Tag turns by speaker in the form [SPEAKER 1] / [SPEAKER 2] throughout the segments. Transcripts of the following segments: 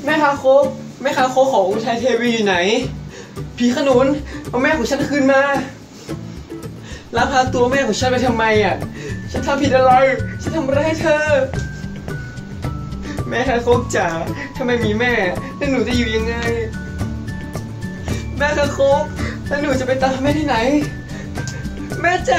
[SPEAKER 1] แม่คางคกของอุทัยเทวีอยู่ไหนผีขนุนเอาแม่ของฉันคืนมาลักพาตัวแม่ของฉันไปทำไมอ่ะฉันทำผิดอะไรฉันทำอะไรให้เธอแม่คางคกจ๋าถ้าไม่มีแม่แล้วหนูจะอยู่ยังไงแม่คางคกแล้วหนูจะไปตามแม่ที่ไหนแม่จ๋า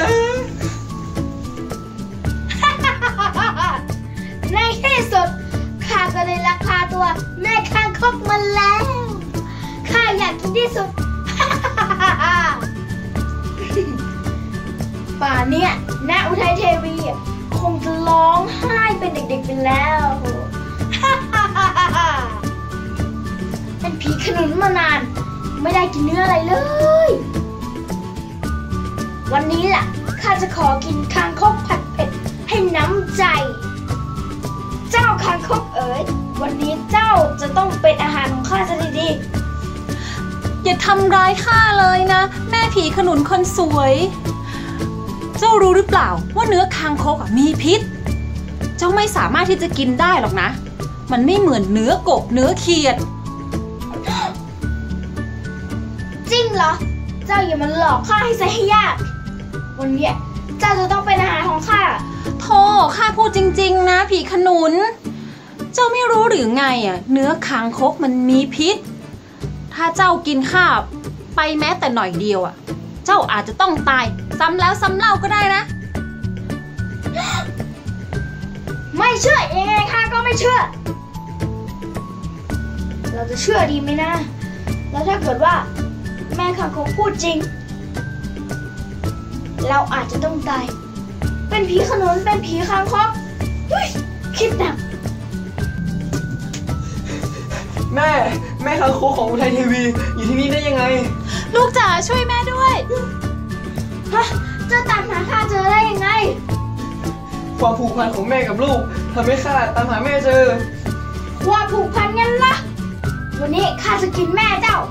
[SPEAKER 2] ในที่สุดข้าก็เลยลักพาตัวแม่คางคกมาแล้วข้าอยากกินที่สุด ป่าเนี่ยณอุทัยเทวีคงจะร้องไห้เป็นเด็กๆไปแล้ว เป็นผีขนุนมานานไม่ได้กินเนื้ออะไรเลยวันนี้ล่ะข้าจะขอกินคางคกผัดเผ็ดให้น้ำใจเจ้าคางคกเอ๋ยวันนี้เจ้าจะต้องเป็นอาหารของข้าซะดี
[SPEAKER 3] ๆอย่าทำร้ายข้าเลยนะแม่ผีขนุนคนสวยเจ้ารู้หรือเปล่าว่าเนื้อคางคกมีพิษเจ้าไม่สามารถที่จะกินได้หรอกนะมันไม่เหมือนเนื้อกบเนื้อเขียด
[SPEAKER 2] จริงเหรอเจ้าอย่ามาหลอกข้าให้ซะให้ยากวันนี้เจ้าจะต้องเป็นอาหารของข้า
[SPEAKER 3] โธ่ข้าพูดจริงๆนะผีขนุนเจ้าไม่รู้หรือไงเนื้อคางคกมันมีพิษถ้าเจ้ากินข้าไปแม้แต่หน่อยเดียวเจ้าอาจจะต้องตายซ้ำแล้วซ้ำเล่าก็ได้นะ
[SPEAKER 2] ไม่เชื่อยังไงข้าก็ไม่เชื่อเราจะเชื่อดีไหมนะแล้วถ้าเกิดว่าแม่คางคกพูดจริงเราอาจจะต้องตายเป็นผีขนุนเป็นผีคางคกคิดหนัก
[SPEAKER 1] แม่คางคกของอุทัยเทวีอยู่ที่นี่ได้ยังไง
[SPEAKER 3] ลูกจ๋าช่วยแม่ด้วย
[SPEAKER 2] ฮะเจ้าตามหาข้าเจอได้ยังไง
[SPEAKER 1] ความผูกพันของแม่กับลูกทำให้ข้าตามหาแม่เจอ
[SPEAKER 2] ความผูกพันงั้นล่ะวันนี้ข้าจะกินแม่เจ้า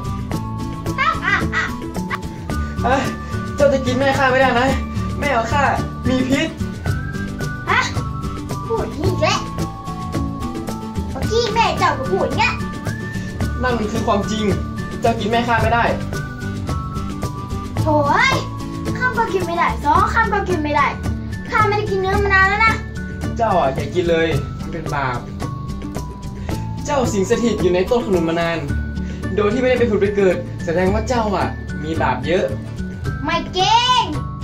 [SPEAKER 1] เจ้าจะกินแม่ข้าไม่ได้นะแม่ของข้ามีพิษ
[SPEAKER 2] ฮะพูดนี่แหละเมื่อกี้แม่เจ้าก็พูดอย่างเงี้ย
[SPEAKER 1] นั่นมันคือความจริงเจ้ากินแม่ข้าไม่ได้
[SPEAKER 2] โถ่เอ้ยข้าก็กินไม่ได้2ข้าก็กินไม่ได้ข้าไม่ได้กินเนื้อมานานแล้วนะ
[SPEAKER 1] เจ้าอย่ากินเลยมันเป็นบาปเจ้าสิงสถิตอยู่ในต้นขนุนมานานโดยที่ไม่ได้ไปผุดไปเกิดแสดงว่าเจ้ามีบาปเยอะ
[SPEAKER 2] ไม่เก่ง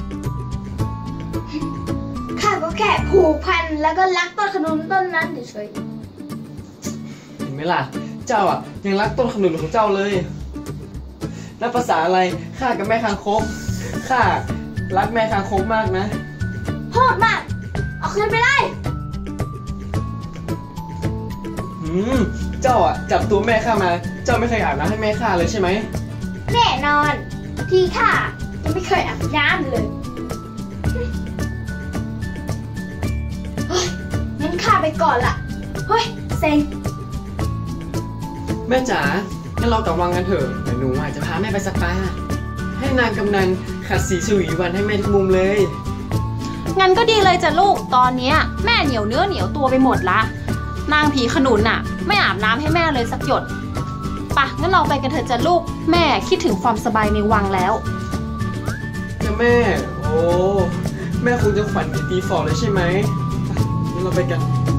[SPEAKER 2] ข้าก็แค่ผูกพันแล้วก็รักต้นขนุนต้นนั้นเฉย
[SPEAKER 1] ๆเห็นไหมล่ะเจ้ายังรักต้นขนุนของเจ้าเลยแล้วภาษาอะไรข้ากับแม่คางคกข้ารักแม่คางคกมากนะ
[SPEAKER 2] โหดมากเอาคืนไปเลย
[SPEAKER 1] เจ้าจับตัวแม่ข้ามาเจ้าไม่เคยอาบน้ำให้แม่ข้าเลยใช่ไหม
[SPEAKER 2] แน่นอนที่ข้ายังไม่เคยอาบน้ำเลยงั้นข้าไปก่อนละเฮ้ยเซ็ง
[SPEAKER 1] แม่จ๋างั้นเรากลับวังกันเถอะเดี๋ยวหนูจะพาแม่ไปสปาให้นางกำนันขัดสีฉวีวันให้แม่ทุกมุมเลย
[SPEAKER 3] งั้นก็ดีเลยจ้ะลูกตอนนี้แม่เหนียวเนื้อเหนียวตัวไปหมดละนางผีขนุนไม่อาบน้ำให้แม่เลยสักหยดปะงั้นเราไปกันเถอะจ้ะลูกแม่คิดถึงความสบายในวังแล้ว
[SPEAKER 1] จ้ะแม่โอ้แม่คงจะขวัญตีฟอเลยใช่ไหมงั้นเราไปกัน